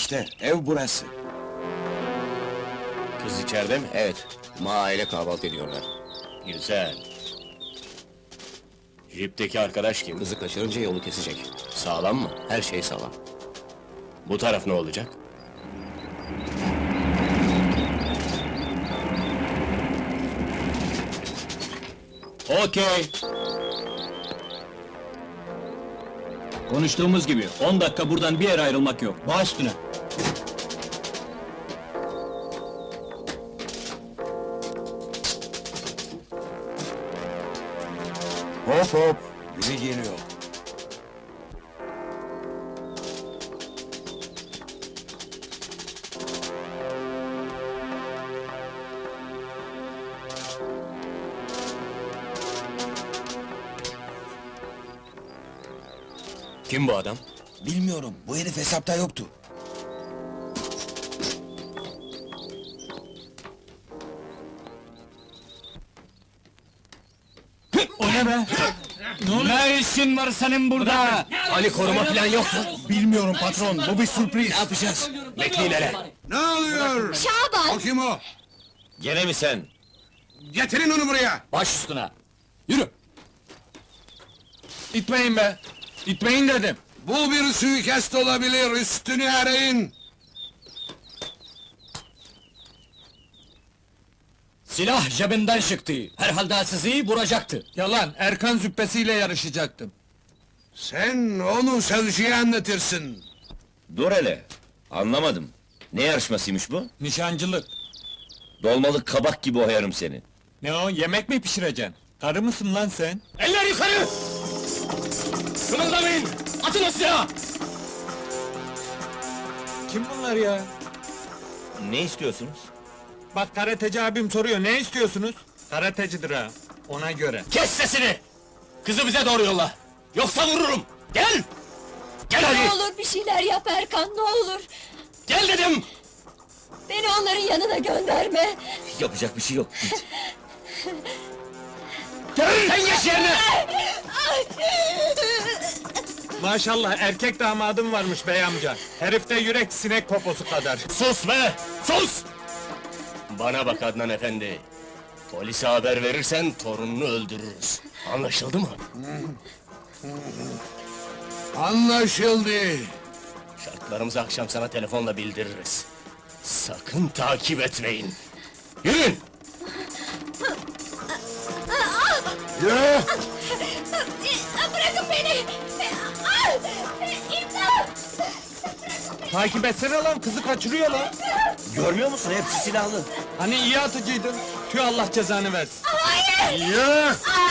İşte ev burası. Kız içeride mi? Evet, aile kahvaltı ediyorlar. Güzel. Jipteki arkadaş kim? Kızı kaçırınca yolu kesecek. Sağlam mı? Her şey sağlam. Bu taraf ne olacak? Okey. Konuştuğumuz gibi 10 dakika buradan bir yere ayrılmak yok. Baş üstüne. Hop hop, biri geliyor. Kim bu adam? Bilmiyorum, bu herif hesapta yoktu. O ne be? Ne işin var senin burada? Ali koruma falan yok mu? Bilmiyorum patron, bu bir sürpriz. Ne yapacağız? Bekleyin hele. Ne oluyor? Şaban! O kim o? Gene mi sen? Getirin onu buraya! Baş üstüne. Yürü. İtmeyin be. İtmeyin dedim. Bu bir suikast olabilir, üstünü arayın! Silah cebinden çıktı. Herhalde sizi vuracaktı. Yalan, Erkan züppesiyle yarışacaktım. Sen onu savcıya anlatırsın! Dur hele, anlamadım. Ne yarışmasıymış bu? Nişancılık. Dolmalık kabak gibi oyarım seni. Ne o, yemek mi pişireceksin? Karı mısın lan sen? Eller yukarı! Kımıldamayın! Atın o silahı! Kim bunlar ya? Ne istiyorsunuz? Bak karateci abim soruyor, ne istiyorsunuz? Karatecidir ha, ona göre. Kes sesini! Kızı bize doğru yolla! Yoksa vururum! Gel! Gel Ne hadi! olur bir şeyler yap Erkan, ne olur! Gel dedim! Beni onların yanına gönderme! Yapacak bir şey yok, git. Gel! Sen geç yerine! Maşallah, erkek damadım varmış bey amca. Herifte yürek sinek poposu kadar. Sus be! Sus! Bana bak Adnan efendi! Polise haber verirsen torununu öldürürüz. Anlaşıldı mı? Anlaşıldı! Şartlarımızı akşam sana telefonla bildiririz. Sakın takip etmeyin! Yürüyün! Yürü! Bırakın beni! İmdat! Takip etsene lan, kızı kaçırıyor lan. Görmüyor musun, hepsi silahlı. Hani iyi atıcıydın. Tüh, Allah cezanı versin. Hayır! Yürü!